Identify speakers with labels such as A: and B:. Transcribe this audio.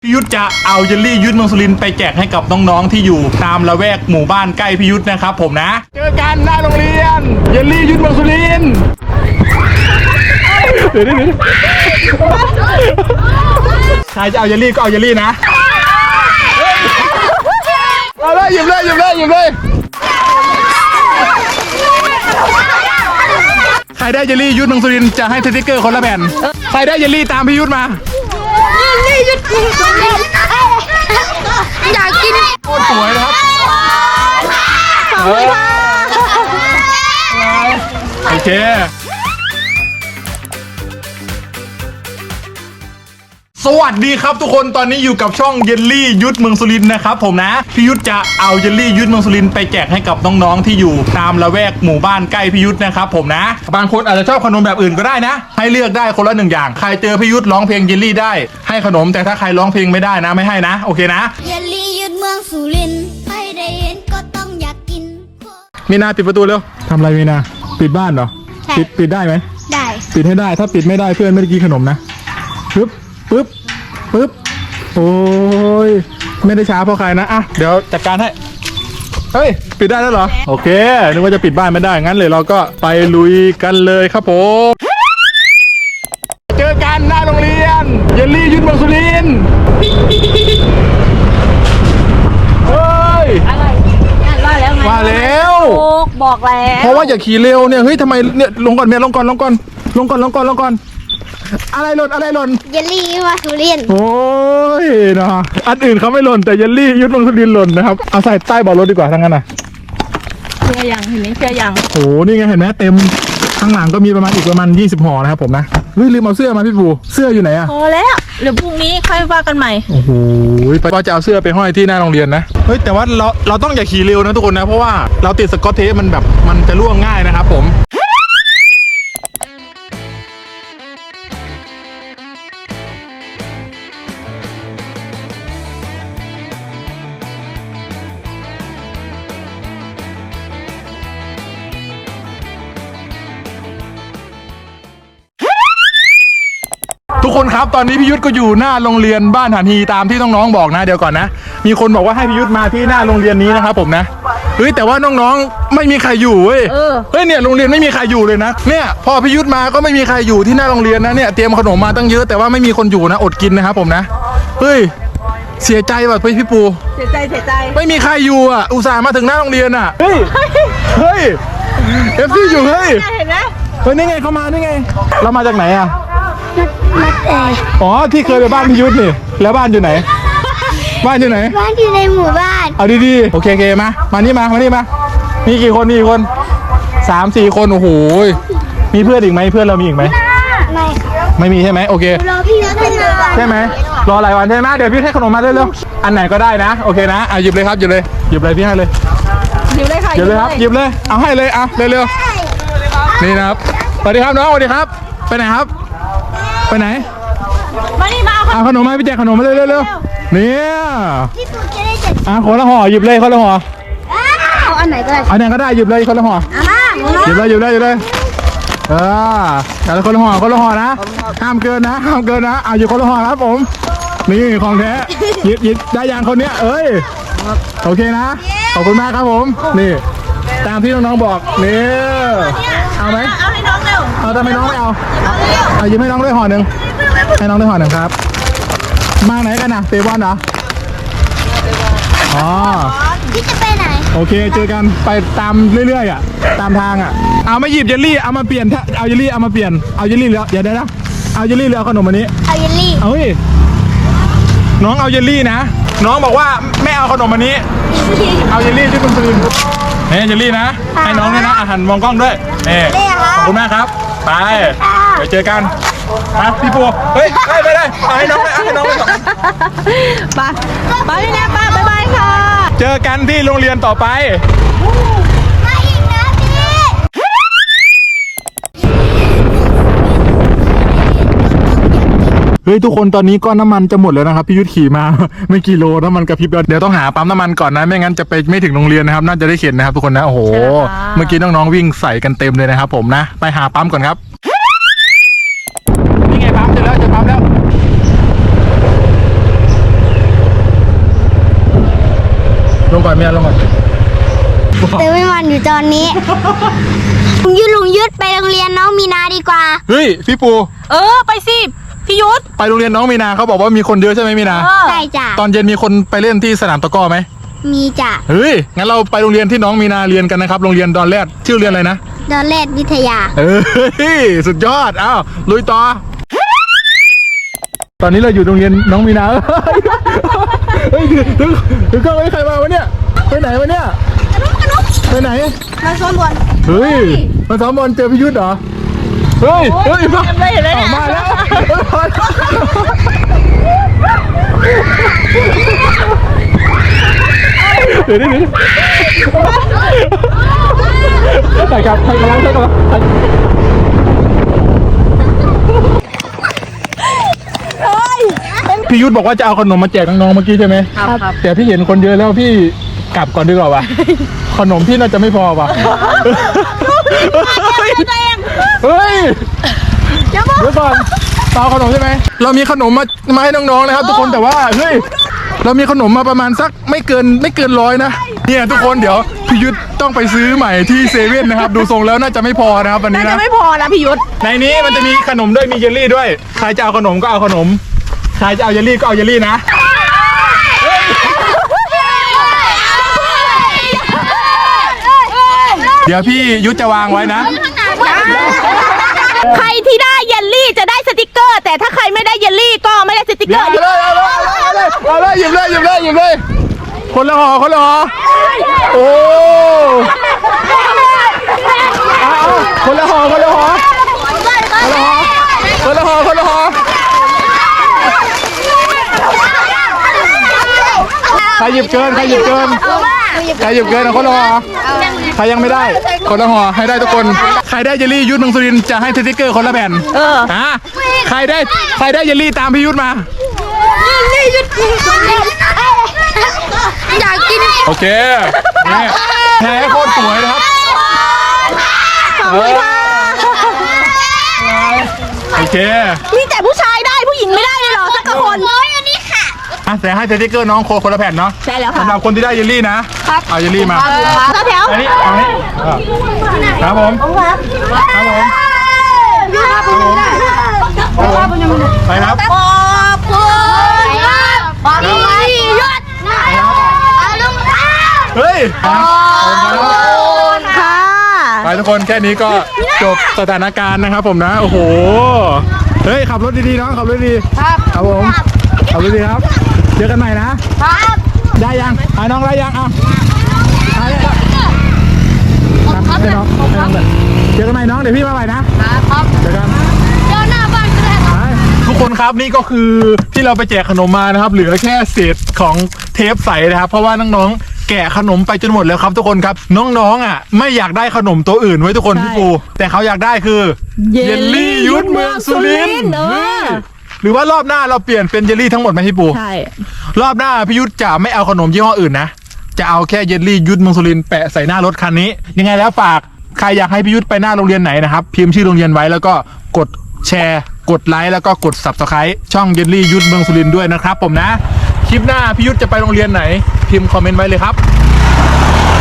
A: พี่ยุทธจะเอาเยลลี่ยุทธเมืองสุรินทร์ไปแจกให้กับน้องๆที่อยู่ตามละแวกหมู่บ้านใกล้พี่ยุทธนะครับผมนะเจอกันหน้าโรงเรียนเยลลี่ยุทธเมืองสุรินทร์เดี๋ยวใครจะเอาเยลลี่ก็เอาเยลลี่นะเอาเลยหยิบเลยใครได้เยลลี่ยุทธเมืองสุรินทร์จะให้สติ๊กเกอร์คนละแผ่นใครได้เยลลี่ตามพี่ยุทธมา
B: นี่ยุดกินอยากกิน
A: โคตรสวยนะครับโอเคสวัสดีครับทุกคนตอนนี้อยู่กับช่องเยลลี่ยุทธเมืองสุรินทร์นะครับผมนะพี่ยุทธจะเอาเยลลี่ยุทธเมืองสุรินทร์ไปแจกให้กับน้องๆที่อยู่ตามละแวกหมู่บ้านใกล้พี่ยุทธนะครับผมนะบางคนอาจจะชอบขนมแบบอื่นก็ได้นะให้เลือกได้คนละ1 อย่างใครเจอพี่ยุทธร้องเพลงเยลลี่ได้ให้ขนมแต่ถ้าใครร้องเพลงไม่ได้นะไม่ให้นะโอเคนะ
B: เยลลี่ยุทธเมืองสุรินทร์ใครได้เห็นก็ต้องอยากกิน
A: มีนาปิดประตูเร็วทำอะไรมีนาปิดบ้านเหรอปิดได้ไหม
B: ได้
A: ปิดให้ได้ถ้าปิดไม่ได้เพื่อนไม่ได้กินขนมนะปึ๊บโอ้ยไม่ได้ช้าเพราะใครนะอ่ะเดี๋ยวจัดการให้เฮ้ยปิดได้แล้วเหรอโอเคนึกว่าจะปิดบ้านไม่ได้งั้นเลยเราก็ไปลุยกันเลยครับผมเจอกันหน้าโรงเรียนเยลลี่ยุทธเมืองสุรินทร์เฮ้ย
B: ว่าแล้วไง
A: ว่าแล้ว
B: บอกแล้ว
A: เพราะว่าอย่าขี่เร็วเนี่ยเฮ้ยทำไมเนี่ยลงก่อนเมียลงก่อนอะไรหล่น
B: เยลลี่มาสุรินทร์
A: โอ้ยนะอันอื่นเขาไม่หล่นแต่เยลลี่ยุทธเมืองสุรินทร์หล่นนะครับเอาใส่ใต้เบาะรถดีกว่าทั้งนั้นนะ
B: เชื่อยังเห็นไหมเชื่อยัง
A: โอ้นี่ไงเห็นไหมเต็มข้างหลังก็มีประมาณ20 ห่อนะครับผมนะเฮ้ยลืมเอาเสื้อมาพี่ปูเสื้ออยู่ไหนอะ
B: พอแล้วเดี๋ยวพรุ่งนี้ค่อยว่ากันใหม่
A: โอ้โหว่าจะเอาเสื้อไปห้อยที่หน้าโรงเรียนนะเฮ้ยแต่ว่าเราต้องอย่าขี่เร็วนะทุกคนนะเพราะว่าเราติดสกอตเทปมันจะร่วงง่ายนะครับผมทุกคนครับตอนนี้พี่ยุทธก็อยู่หน้าโรงเรียนบ้านหานฮีตามที่น้องๆบอกนะเดี๋ยวก่อนนะมีคนบอกว่าให้พี่ยุทธมาที่หน้าโรงเรียนนี้นะครับผมนะเฮ้ยแต่ว่าน้องๆไม่มีใครอยู่เว้ยเฮ้ยเนี่ยโรงเรียนไม่มีใครอยู่เลยนะเนี่ยพอพี่ยุทธมาก็ไม่มีใครอยู่ที่หน้าโรงเรียนนะเนี่ยเตรียมขนมมาตั้งเยอะแต่ว่าไม่มีคนอยู่นะอดกินนะครับผมนะเฮ้ยเสียใจว่ะพี่ปู
B: เสียใจ
A: ไม่มีใครอยู่อ่ะอุตส่าห์มาถึงหน้าโรงเรียนอ่ะเฮ้ยเอฟซีอยู่เฮ้ย
B: เห็นไหม
A: เฮ้ยนี่ไงเขามานี่ไงเรามาจากไหนอ่ะอ๋อที่เคยไปบ้านพี่ยุทธนี่แล้วบ้านอยู่ไหนบ้านอยู่ใน
B: หมู่บ้าน
A: เอาดีๆโอเคมานี่มามีกี่คน3-4 คนโอ้โหมีเพื่อนอีกไหมเพื่อนเรามีอีกไหมไม่มีใช่ไหมโอเค
B: รอพี่ยุทธ
A: ใช่ไหมรอหลายวันใช่ไหมเดี๋ยวพี่ให้ขนมมาเร็วๆอันไหนก็ได้นะโอเคนะหยิบเลยครับหยิบเลยพี่ให้เลย
B: หยิบเลยค่ะ
A: หยิบเลยครับหยิบเลยเอาให้เลยเร็วๆนี่นะครับสวัสดีครับน้องสวัสดีครับไปไหนครับไปไหน
B: มานี่มา
A: เอาขนมมาพี่แจกขนมมาเร็วเนี่ย
B: พี่ปูจะได้จัด
A: คนละห่อหยิบเลยคนละห่อ
B: เอาอันไหนก็ได้
A: หยิบเลยคนละห่อหยิบเลยแต่ละคนละห่อนะห้ามเกินนะเอาหยิบคนละห่อครับผมนี่ของแท้หยิบได้อย่างคนเนี้ยเอ้ยโอเคนะขอบคุณมากครับผมนี่ตามที่น้องๆบอกนี่เอาไหม
B: เอาให้น้องเร็ว
A: เอาทำไมน้องไม่เอาหยิบให้น้องด้วยห่อหนึ่งให้น้องด้วยห่อหนึ่งครับมาไหนกันนะเตะบอลเหรออ๋อ
B: พี่จะไปไหน
A: โอเคเจอกันไปตามเรื่อยๆอ่ะตามทางอ่ะเอามาหยิบเยลลี่เอามาเปลี่ยนเอาเยลลี่เอามาเปลี่ยนเอาเยลลี่แล้วเดี๋ยวนะเอาเยลลี่หรือเอาขนมอันนี้
B: เอาเยลลี่
A: เฮ้ยน้องเอาเยลลี่นะน้องบอกว่าไม่เอาขนมอันนี้เอาเยลลี่ที่คุณซื้อเนี่ยเยลลี่นะให้น้องด้วยนะอาหารมองกล้องด้วยนี่ขอบคุณมากครับไปเดี๋ยวเจอกันพี่ปูเฮ้ยไม่ได้ให้น้องไป
B: ไปนี่นะป้าบ๊ายบายค่ะ
A: เจอกันที่โรงเรียนต่อไป
B: มาอีกนะพี่
A: เฮ้ยทุกคนตอนนี้ก้อนน้ำมันจะหมดแล้วนะครับพี่ยุทธขี่มาไม่กี่โลน้ำมันกระพริบเดี๋ยวต้องหาปั๊มน้ำมันก่อนนะไม่งั้นจะไปไม่ถึงโรงเรียนนะครับน่าจะได้เข็นนะครับทุกคนนะโอ้โหเมื่อกี้น้องๆวิ่งใส่กันเต็มเลยนะครับผมนะไปหาปั๊มก่อนครับนี่ไงปั๊มเจอแล้วลงก่อนไม่เอาลงก่อน
B: เติมไม่มันอยู่ตอนนี้ ลุงยุทธไปโรงเรียนน้องมีนาดีกว่า
A: เฮ้ยพี่ปู
C: ไปสิพี่ยุทธ
A: ไปโรงเรียนน้องมีนาเขาบอกว่ามีคนเยอะใช่ไหมมีนา
B: ใช่จ้ะ
A: ตอนเย็นมีคนไปเล่นที่สนามตะกร้อไหม
B: มีจ้ะ
A: เฮ้ยงั้นเราไปโรงเรียนที่น้องมีนาเรียนกันนะครับโรงเรียนดอนแรดชื่อเรียนอะไรนะ
B: ดอนเลดวิทยา
A: เฮ้ยสุดยอดอ้าวลุยต่อตอนนี้เราอยู่โรงเรียนน้องมีนาเฮ้ยถึงก็ไม่ใครมาวะเนี่ยไปไหนวะเนี่ยไปไหน
B: มาซ้อมบอล
A: เฮ้ยมาซ้อมบอลเจอพี่ยุทธเหรอเฮ้ยมา
C: เห็นไหม
A: ออกมาแล้วเดี๋ยวใส่กับใส่กำลังพี่ยุทธบอกว่าจะเอาขนมมาแจกน้องๆเมื่อกี้ใช่ไหมครับแต่พี่เห็นคนเยอะแล้วพี่กลับก่อนดีกว่าวะขนมพี่น่าจะไม่พอว่ะเฮ้ยเดี๋ยวก่อนเปล่าขนมใช่ไหมเรามีขนมมาให้น้องๆนะครับทุกคนแต่ว่าเฮ้ยเรามีขนมมาประมาณสักไม่เกิน100นะเนี่ยทุกคนเดี๋ยวพี่ยุทธต้องไปซื้อใหม่ที่เซเว่นนะครับดูทรงแล้วน่าจะไม่พอนะครับวันนี้
C: จะ
A: นะ
C: ไม่พอนะพี่ยุทธ
A: ในนี้มันจะมีขนมด้วยมีเยลลี่ด้วยใครจะเอาขนมก็เอาขนมใครจะเอาเยลลี่ก็เอาเยลลี่นะเดี๋ยวพี่ยุทธจะวางไว้นะ
C: ใครที่ได้เยลลี่จะได้สติกเกอร์ แต่ถ้าใครไม่ได้เยลลี่ก็ไม่ได้สติกเก
A: เดี๋
C: อ
A: ยว
C: ร์
A: เอาเลยหยิบเลยคนละห่อโอ้เอาคนละห่อใครหยิบเกินเอาคนละห่อใครยังไม่ได้คนละห่อให้ได้ทุกคนใครได้เยลลี่ยุทธเมืองสุรินทร์จะให้สติ๊กเกอร์คนละแผ่นใครได้เยลลี่ตามพี่ยุทธมา
B: อยากกิน
A: โอเคนี่แพ้โคตรสวยนะครับโอเค
C: มีแต่ผู้ชายได้ผู้หญิงไม่ได้เลยเหรอสักคน
B: อันนี้ค่ะ
A: แต่ให้สติ๊กเกอร์น้องคนละแผ่นเนาะ
C: ใช่แล้วค่ะ
A: สำหรับคนที่ได้เยลลี่นะครับเอาเยลลี่มา
C: แถว
A: อันนี้เอานี้ครับผมไปครับ
B: ขอบคุณพี่ยุทธลุงค่ะ
A: เฮ้ยครับ
C: ค่ะ
A: ไปทุกคนแค่นี้ก็จบสถานการณ์นะครับผมนะโอ้โหเฮ้ยขับรถดีๆน้องขับรถดีครับผมขับรถดีครับเจอกันใหม่นะได้ยังน้องได้ยังได้แล้วให้น้องเลยเจอกันใหม่น้องเดี๋ยวพี่มาใหม่นะครับเจอกัน
B: เจ้าหน้าบ้านก็ได้ครับ
A: ทุกคนครับนี่ก็คือที่เราไปแจกขนมมานะครับเหลือแค่เศษของเทปใสนะครับเพราะว่าน้องๆแกะขนมไปจนหมดแล้วครับทุกคนครับน้องๆไม่อยากได้ขนมตัวอื่นไว้ทุกคนพี่ปูแต่เขาอยากได้คือเยลลี่ยุทธเมืองสุรินทร์หรือว่ารอบหน้าเราเปลี่ยนเป็นเยลลี่ทั้งหมดไหมพี่ปู
C: ใช่
A: รอบหน้าพี่ยุทธจะไม่เอาขนมยี่ห้ออื่นนะจะเอาแค่เยลลี่ยุทธเมืองสุรินทร์แปะใส่หน้ารถคันนี้ยังไงแล้วฝากใครอยากให้พี่ยุทธไปหน้าโรงเรียนไหนนะครับพิมพ์ชื่อโรงเรียนไว้แล้วก็กดแชร์กดไลค์แล้วก็กด Subscribe ช่องเยลลี่ยุทธเมืองสุรินทร์ด้วยนะครับผมนะคลิปหน้าพี่ยุทธจะไปโรงเรียนไหนพิมพ์คอมเมนต์ไว้เลยครับ